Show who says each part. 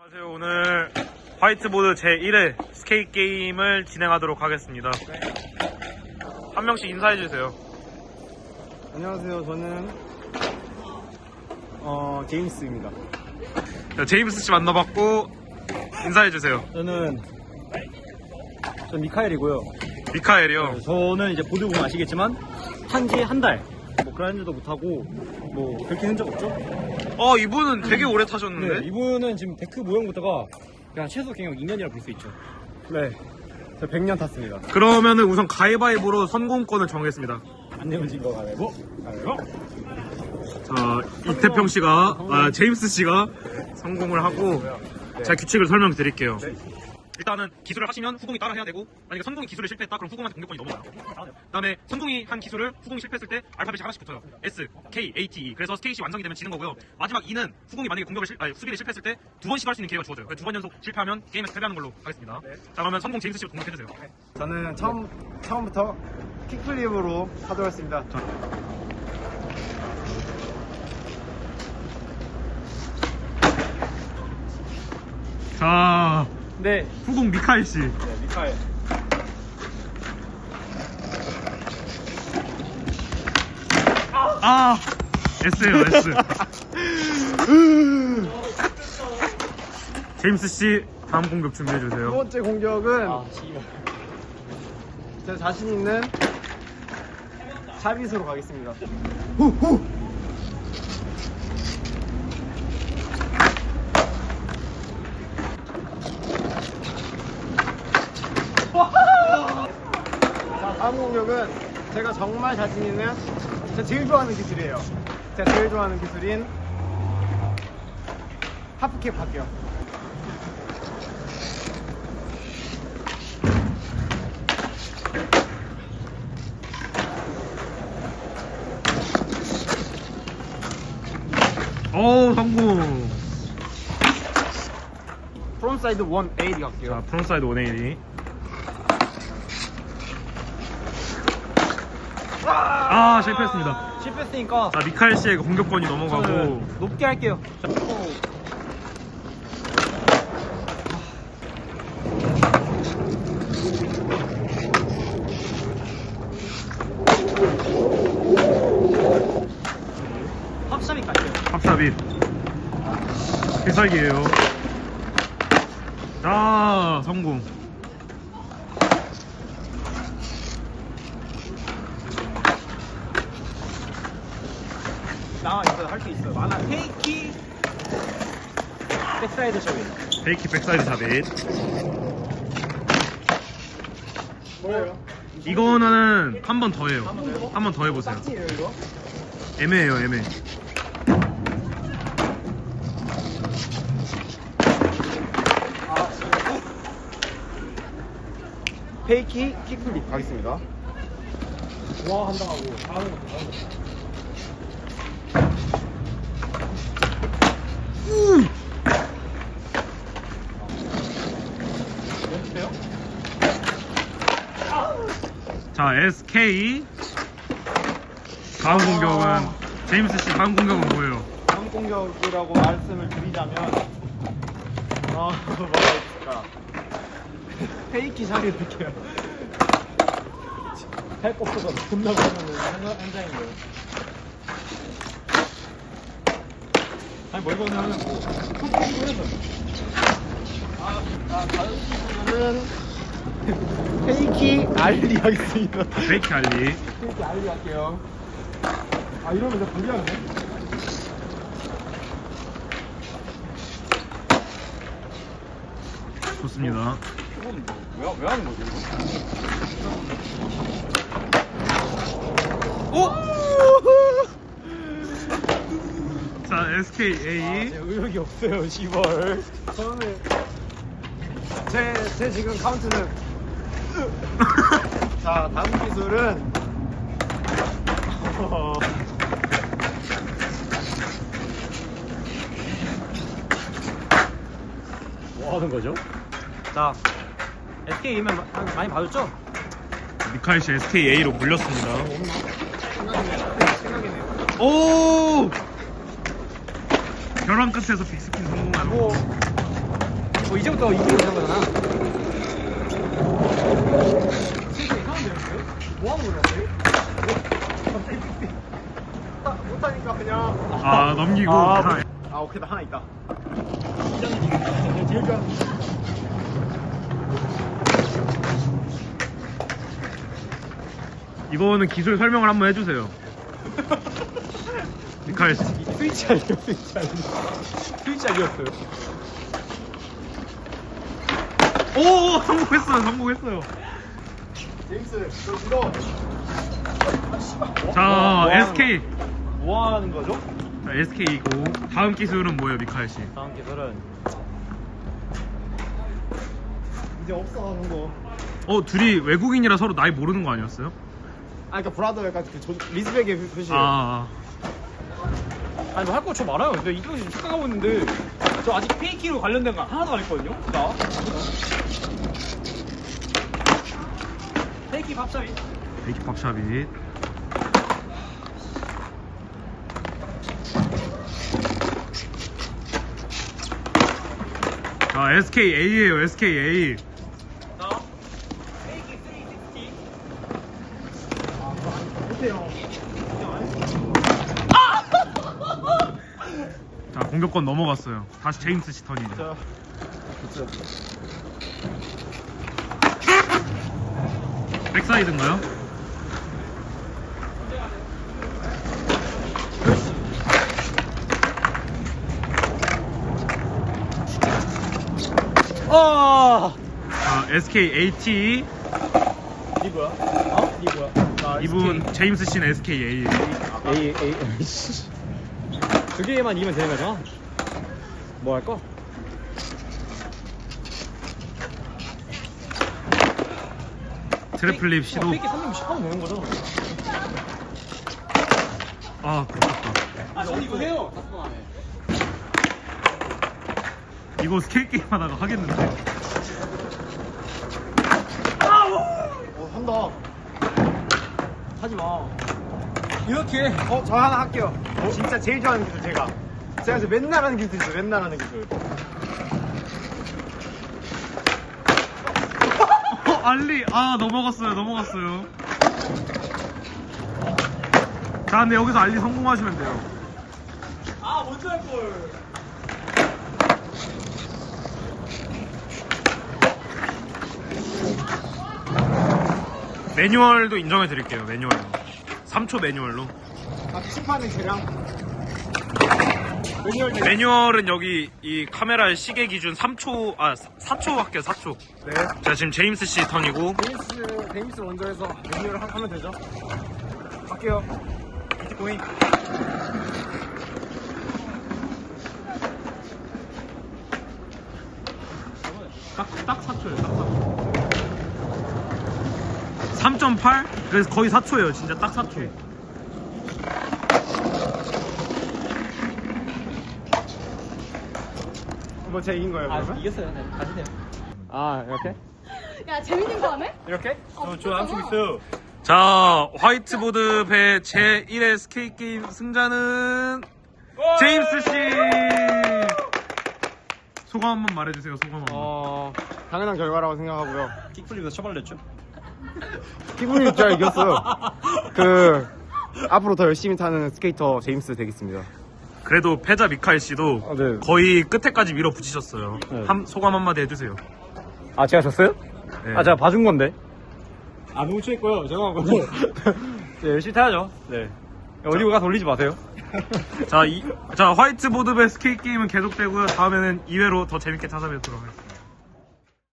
Speaker 1: 안녕하세요. 오늘 화이트보드 제1회 스케이트 게임을 진행하도록 하겠습니다. 한 명씩 인사해주세요.
Speaker 2: 안녕하세요. 저는 제임스입니다.
Speaker 1: 자, 제임스 씨 만나봤고 인사해주세요.
Speaker 2: 저는 미카엘이고요.
Speaker 1: 미카엘이요.
Speaker 2: 저는 이제 보드 보면 아시겠지만 한지 한 달, 뭐 그라인드도 못하고 뭐 그렇게 한 적 없죠?
Speaker 1: 이분은 되게 오래 타셨는데?
Speaker 2: 네, 이분은 지금 데크 모형부터가 그냥 최소 경력 2년이라 볼 수 있죠. 네, 저 100년 탔습니다.
Speaker 1: 그러면은 우선 가위바위보로 선공권을 정하겠습니다.
Speaker 2: 안 내면 진거 가위바위보. 가위바위보.
Speaker 1: 자, 이태평 씨가, 제임스 씨가 성공을 하고, 제가 규칙을 설명드릴게요. 일단은 기술을 하시면 후공이 따라 해야 되고, 만약에 선공이 기술을 실패했다 그럼 후공한테 공격권이 넘어가요. 그다음에 선공이 한 기술을 후공이 실패했을 때 알파벳이 하나씩 붙어요. S, K, A, T, E. 그래서 스테이시 완성이 되면 지는 거고요. 마지막 E는 후공이 만약에 수비를 실패했을 때 두 번씩 할 수 있는 기회가 주어져요. 두 번 연속 실패하면 게임에서 패배하는 걸로 하겠습니다. 자, 그러면 선공 제임스 씨부터 공격해주세요.
Speaker 2: 저는 처음부터 킥플립으로 하도록 했습니다.
Speaker 1: 자,
Speaker 2: 네,
Speaker 1: 후공 미카엘 씨.
Speaker 2: 미카엘.
Speaker 1: S예요, S. 제임스 씨, 다음 공격 준비해
Speaker 2: 두
Speaker 1: 주세요.
Speaker 2: 번째 공격은 제 자신 있는 샤빗으로 가겠습니다. 후후. 자, 다음 공격은 제가 정말 자신 있는 제가 제일 좋아하는 기술이에요. 제가 제일 좋아하는 기술인 하프킥 할게요.
Speaker 1: 성공.
Speaker 2: 프론트사이드 180 갈게요.
Speaker 1: 자, 프론트사이드 180. 실패했습니다.
Speaker 2: 실패했으니까
Speaker 1: 자, 미카엘 씨의 공격권이 넘어가고.
Speaker 2: 저는 높게 할게요. 합샷이 갈게요.
Speaker 1: 합삽입. 필살기예요. 자, 성공.
Speaker 2: 나 이거 할 수 있어요. 많아. 페이키 백사이드 샷이.
Speaker 1: 페이키 백사이드 잡잇.
Speaker 2: 뭐예요?
Speaker 1: 이거는 한 번 더 해요. 한 번 더 해보세요.
Speaker 2: 짝지예요 이거?
Speaker 1: 애매해요, 애매.
Speaker 2: 페이키 킥플립 가겠습니다. 와 한다고 다른 것도 연습해요?
Speaker 1: 자, SK. 다음 공격은, 제임스 씨 다음 공격은 뭐예요?
Speaker 2: 다음 공격이라고 말씀을 드리자면 뭐가 있을까? 페이키 샷이 될게요. 할 거 없어서 존나 많은 현장인데요. 아니 뭐 이거는 뭐 톡톡 해서 다른 친구는 페이키 알리 하겠습니다.
Speaker 1: 페이키 알리.
Speaker 2: 페이키 알리 할게요. 이러면 이제 불리하네.
Speaker 1: 좋습니다.
Speaker 2: 이건 왜 하는 거지 이거?
Speaker 1: 자, SKA.
Speaker 2: 제 의욕이 없어요, 시벌. 저는 제 지금 카운트는 자, 다음 기술은 뭐 하는 거죠? 자, SK이면 많이 봐줬죠?
Speaker 1: 미카엘 씨 SKA로 물렸습니다.
Speaker 2: 생각이네요.
Speaker 1: 오! 벼랑 끝에서 빅스핀 성공하고.
Speaker 2: 뭐 이제부터 이기는 거잖아. 진짜 이상한데요? 뭐 하는 거냐? 못하니까 그냥.
Speaker 1: 넘기고.
Speaker 2: 오케이, 나 하나 있다. 제일 좋아하는
Speaker 1: 이거는 기술 설명을 한번 해주세요. 미카엘 씨.
Speaker 2: 스위치 아니에요, 스위치 아니었어요.
Speaker 1: 오, 성공했어요.
Speaker 2: 제임스, 너
Speaker 1: 자, SK.
Speaker 2: 뭐 하는 거죠?
Speaker 1: 자, SK이고 다음 기술은 뭐예요, 미카엘 씨?
Speaker 2: 다음 기술은 이제 없어 하는 거.
Speaker 1: 둘이 외국인이라 서로 나이 모르는 거 아니었어요?
Speaker 2: 그러니까 브라더 약간 리스펙의 표시예요.
Speaker 3: 아니 뭐 할 거 저 많아요. 근데 이경이 지금 착각하고 있는데 저 아직 페이키로 관련된 거 하나도 안 했거든요. 나 페이키 밥차이.
Speaker 1: 베이키 팝샵이. 자, SKA예요, SKA.
Speaker 3: 나 페이키 360.
Speaker 2: 못해요.
Speaker 1: 자, 공격권 넘어갔어요. 다시 제임스 씨 턴이죠.
Speaker 2: 자,
Speaker 1: 백사이드인가요? 자, SKAT.
Speaker 2: 이 뭐야? 이 뭐야?
Speaker 1: 이분 제임스 씨는 SKA.
Speaker 3: 두 개만 이기면 되는 거잖아. 뭐 할까?
Speaker 1: 트래플립 시도.
Speaker 3: 페이키 360 하면 되는 거죠.
Speaker 1: 그렇다.
Speaker 3: 이거 해요.
Speaker 1: 이거 스케이트 게임 하다가 하겠는데.
Speaker 2: 한다.
Speaker 3: 하지 마. 이렇게.
Speaker 2: 저 하나 할게요. 진짜 제일 좋아하는 기술 제가 이제 맨날 하는 기술 있어요. 맨날 하는 기술.
Speaker 1: 알리. 넘어갔어요. 자, 근데 여기서 알리 성공하시면 돼요.
Speaker 3: 먼저 할 걸.
Speaker 1: 매뉴얼도 인정해 드릴게요. 매뉴얼로. 3초 매뉴얼로.
Speaker 2: 심판은 제랑 매뉴얼
Speaker 1: 매뉴얼은 여기 이 카메라의 시계 기준 3초, 4초 할게요, 4초.
Speaker 2: 네.
Speaker 1: 자, 지금 제임스 씨 턴이고.
Speaker 2: 데미스 먼저 해서 매뉴얼 하면 되죠. 갈게요. 비트코인.
Speaker 1: 딱 4초예요, 딱 4초. 3.8? 그래서 거의 4초예요, 진짜 딱 4초.
Speaker 2: 뭐 제가 이긴 거예요, 그러면?
Speaker 3: 이겼어요. 네. 다시 돼요.
Speaker 2: 이렇게?
Speaker 4: 야 재밌는 거 하네?
Speaker 2: 이렇게?
Speaker 3: 저 남친 있어요.
Speaker 1: 자, 화이트보드 배 제1회 스케이트 게임 승자는 제임스 씨! 소감 한번 말해주세요, 소감 한번.
Speaker 2: 당연한 결과라고 생각하고요.
Speaker 3: 킥플립에서 처벌냈죠.
Speaker 2: 피부님 제가 이겼어요. 앞으로 더 열심히 타는 스케이터 제임스 되겠습니다.
Speaker 1: 그래도 패자 미카엘 씨도
Speaker 2: 네.
Speaker 1: 거의 끝에까지 밀어붙이셨어요.
Speaker 2: 네.
Speaker 1: 소감 한마디 해주세요.
Speaker 2: 제가 졌어요?
Speaker 1: 네.
Speaker 2: 제가 봐준 건데.
Speaker 3: 너무 취했고요. 죄송하고.
Speaker 2: 네, 열심히 타야죠. 네. 어디 가서 올리지 마세요.
Speaker 1: 자, 화이트보드 배 스케이트 게임은 계속되고요. 다음에는 2회로 더 재밌게 찾아뵙도록 하겠습니다.